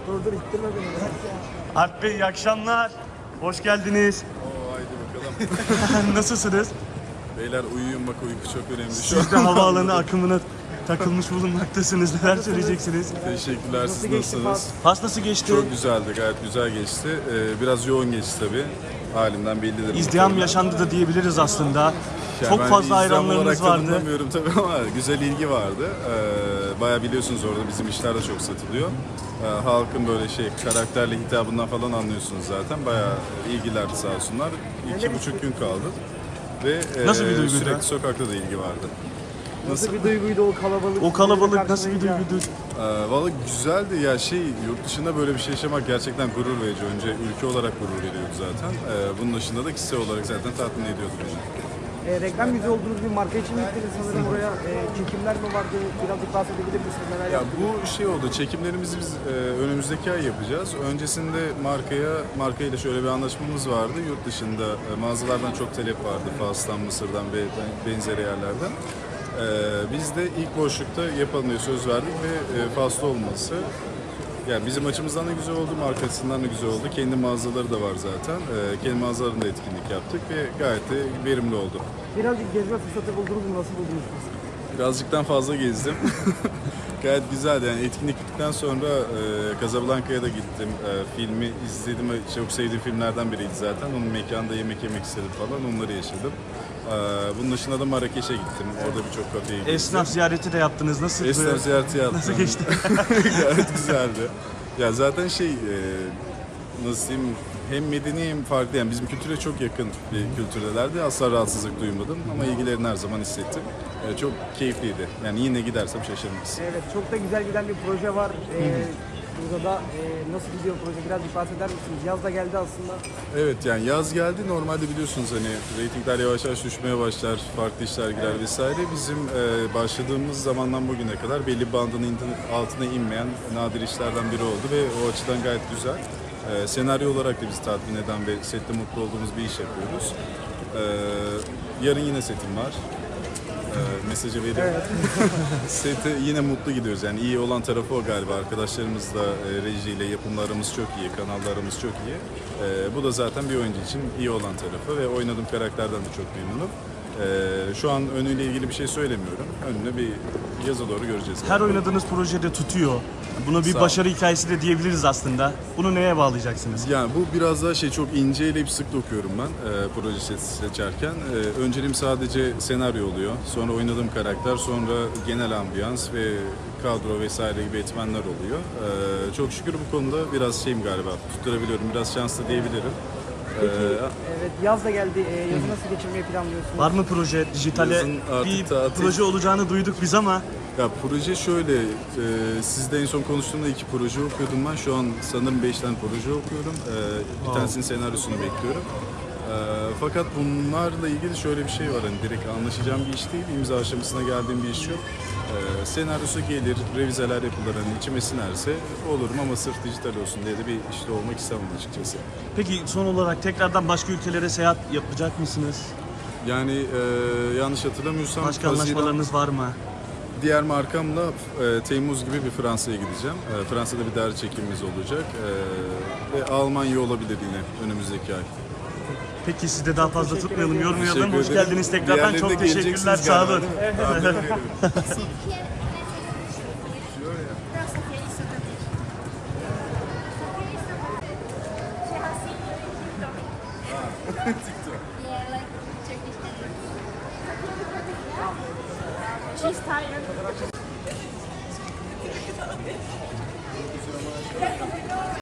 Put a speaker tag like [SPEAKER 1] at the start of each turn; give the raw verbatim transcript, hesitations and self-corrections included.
[SPEAKER 1] Dur dur ittirme beni.
[SPEAKER 2] Alp Bey iyi akşamlar. Hoş geldiniz.
[SPEAKER 3] Oo, haydi bakalım.
[SPEAKER 2] Nasılsınız?
[SPEAKER 3] Beyler uyuyun bak, uyku çok önemli şu
[SPEAKER 2] Siz de havaalanı akımına takılmış bulunmaktasınız. Neler söyleyeceksiniz?
[SPEAKER 3] Teşekkürler, siz
[SPEAKER 1] Nasıl geçti
[SPEAKER 3] nasılsınız?
[SPEAKER 2] Fas nasıl geçti?
[SPEAKER 3] Çok güzeldi, gayet güzel geçti. Ee, biraz yoğun geçti tabii. Halimden bellidir.
[SPEAKER 2] İzdiham yaşandı da diyebiliriz aslında.
[SPEAKER 3] Yani
[SPEAKER 2] Çok
[SPEAKER 3] ben
[SPEAKER 2] fazla
[SPEAKER 3] izdiham
[SPEAKER 2] hayranlarınız
[SPEAKER 3] olarak
[SPEAKER 2] vardı.
[SPEAKER 3] tanımlamıyorum tabii ama güzel ilgi vardı. Ee, bayağı biliyorsunuz orada bizim işler de çok satılıyor. Ee, halkın böyle şey karakterli hitabından falan anlıyorsunuz zaten. Bayağı ilgiler sağ olsunlar. İki buçuk gün kaldı. Ve
[SPEAKER 2] Nasıl bir
[SPEAKER 3] e,
[SPEAKER 2] duyguydu?
[SPEAKER 3] sürekli sokakta da ilgi vardı.
[SPEAKER 1] Nasıl bir duyguydu o kalabalık?
[SPEAKER 2] O kalabalık nasıl bir
[SPEAKER 1] karşılayınca?
[SPEAKER 2] duyguydu?
[SPEAKER 3] Ee, Valla güzeldi ya, şey yurt dışında böyle bir şey yaşamak gerçekten gurur verici. Önce ülke olarak gurur veriyordu zaten. Ee, bunun dışında da kişisel olarak zaten tatmin ediyordu beni.
[SPEAKER 1] E, reklam yüzü olduğunuz bir marka için gittiniz sanırım oraya. E, çekimler mi vardı? Birazcık bahsedebilir misiniz? Neler
[SPEAKER 3] Ya
[SPEAKER 1] yaptınız?
[SPEAKER 3] bu şey oldu, çekimlerimizi biz e, önümüzdeki ay yapacağız. Öncesinde markaya, markayla şöyle bir anlaşmamız vardı. Yurt dışında e, mağazalardan çok talep vardı. Fas'tan, Mısır'dan ve benzeri yerlerden. E, biz de ilk boşlukta yapalım diye söz verdik ve e, Fas'ta olması. Yani bizim açımızdan da güzel oldu, markasından da güzel oldu. Kendi mağazaları da var zaten. Ee, kendi mağazalarında etkinlik yaptık ve gayet de verimli oldu.
[SPEAKER 1] Birazcık gezme fırsatı buldunuz mu? Nasıl buldunuz siz?
[SPEAKER 3] Birazcıktan fazla gezdim. Gayet güzeldi. Yani etkinlik bittikten sonra e, Casablanca'ya da gittim. E, filmi izledim. Çok sevdiğim filmlerden biriydi zaten. Onun mekanda yemek yemek istedim falan. Onları yaşadım. E, bunun dışında da Marrakeş'e gittim. Orada birçok kafeye gittim.
[SPEAKER 2] Esnaf ziyareti de yaptınız. Nasıl?
[SPEAKER 3] Esnaf ziyareti yaptım.
[SPEAKER 2] Nasıl geçti?
[SPEAKER 3] Gayet güzeldi. Ya zaten şey, e, nasıl diyeyim, hem medeni hem farklı. Yani bizim kültüre çok yakın bir kültürdelerdi. Asla rahatsızlık duymadım ama ilgilerini her zaman hissettim. E, çok keyifliydi. Yani yine gidersem şaşırmaz.
[SPEAKER 1] Evet, çok da güzel giden bir proje var. E, burada da e, nasıl gidiyor proje? Birazcık bahseder misiniz? Yaz da geldi aslında.
[SPEAKER 3] Evet, yani yaz geldi. Normalde biliyorsunuz hani reytingler yavaş yavaş düşmeye başlar, farklı işler girer vesaire. Bizim e, başladığımız zamandan bugüne kadar belli bandın indi- altına inmeyen nadir işlerden biri oldu ve o açıdan gayet güzel. E, senaryo olarak da bizi tatmin eden ve sette mutlu olduğumuz bir iş yapıyoruz. E, yarın yine setim var. E, mesajı veriyorum. Sete yine mutlu gidiyoruz. Yani iyi olan tarafı o galiba. Arkadaşlarımızla, e, rejiyle yapımlarımız çok iyi, kanallarımız çok iyi. E, bu da zaten bir oyuncu için iyi olan tarafı ve oynadığım karakterden de çok memnunum. E, şu an önüyle ilgili bir şey söylemiyorum. Önüne bir yaza doğru göreceğiz.
[SPEAKER 2] Her oynadığınız projede tutuyor. Buna bir
[SPEAKER 3] Sağ ol.
[SPEAKER 2] başarı hikayesi de diyebiliriz aslında. Bunu neye bağlayacaksınız?
[SPEAKER 3] Yani bu biraz daha şey, çok ince eleyip sık dokuyorum ben e, proje se- seçerken. E, önceliğim sadece senaryo oluyor. Sonra oynadığım karakter, sonra genel ambiyans ve kadro vesaire gibi etmenler oluyor. E, çok şükür bu konuda biraz şeyim galiba, tutturabiliyorum. Biraz şanslı diyebilirim.
[SPEAKER 1] Peki,
[SPEAKER 3] E,
[SPEAKER 1] evet yaz da geldi. E, yazı nasıl geçirmeyi planlıyorsunuz?
[SPEAKER 2] Var mı proje? Dijitale
[SPEAKER 3] Yazın artık
[SPEAKER 2] bir
[SPEAKER 3] tatil.
[SPEAKER 2] proje olacağını duyduk biz ama
[SPEAKER 3] Ya proje şöyle, e, sizde en son konuştuğumda iki proje okuyordum ben. Şu an sanırım beş tane proje okuyorum. E, bir tanesinin senaryosunu bekliyorum. E, fakat bunlarla ilgili şöyle bir şey var, hani direkt anlaşacağım bir iş değil, imza aşamasına geldiğim bir iş yok. E, senaryosu gelir, revizeler yapılır, hani içime sinerse olurum ama sırf dijital olsun diye de bir işte olmak istemem açıkçası.
[SPEAKER 2] peki son olarak tekrardan başka ülkelere seyahat yapacak mısınız?
[SPEAKER 3] Yani e, yanlış hatırlamıyorsam
[SPEAKER 2] Başka
[SPEAKER 3] Haziran-
[SPEAKER 2] anlaşmalarınız var mı?
[SPEAKER 3] Diğer markamla e, Temmuz gibi bir Fransa'ya gideceğim. E, Fransa'da bir dergi çekimimiz olacak. E, ve Almanya olabilir yine önümüzdeki ay.
[SPEAKER 2] Peki sizi de daha fazla
[SPEAKER 1] teşekkür
[SPEAKER 2] tutmayalım,
[SPEAKER 1] ederim.
[SPEAKER 2] yormayalım.
[SPEAKER 3] Teşekkür
[SPEAKER 2] Hoş
[SPEAKER 3] ederim.
[SPEAKER 2] geldiniz tekrardan.
[SPEAKER 3] Diğerlerine
[SPEAKER 2] Çok
[SPEAKER 3] de
[SPEAKER 2] teşekkürler.
[SPEAKER 3] geleceksiniz
[SPEAKER 2] Sağ olun.
[SPEAKER 3] galiba, değil mi? Tahmin ediyorum.
[SPEAKER 4] Yeah, like Turkish. She's tired.